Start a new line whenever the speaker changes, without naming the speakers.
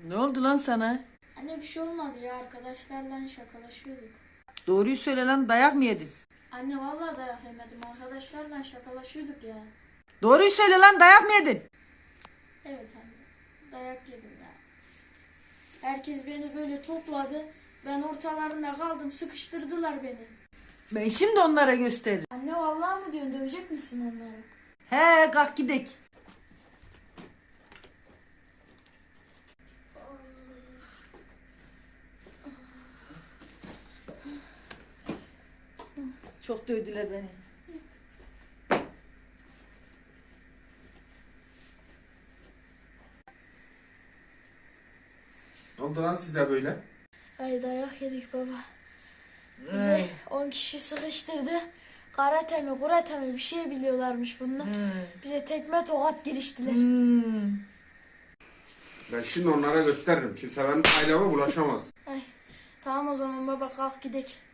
Ne oldu lan sana?
Anne bir şey olmadı ya, arkadaşlarla şakalaşıyorduk.
Doğruyu söyle lan, dayak mı yedin?
Anne vallahi dayak yemedim, arkadaşlarla şakalaşıyorduk ya.
Doğruyu söyle lan, dayak mı yedin?
Evet anne, dayak yedim ya. Herkes beni böyle topladı. Ben ortalarında kaldım, sıkıştırdılar beni.
Ben şimdi onlara gösteririm.
Anne vallahi mı diyorsun, dövecek misin onları?
He, kalk gidek. Çok dövdüler beni.
Ne oldu lan size böyle?
Ay dayak yedik baba. Bize 10 kişi sıkıştırdı. Karate mi kurate mi bir şey biliyorlarmış bunlar. Bize tekme tokat giriştiler.
Ben şimdi onlara gösteririm. Kimse benim aileme bulaşamaz.
Ay tamam o zaman baba, kalk gidelim.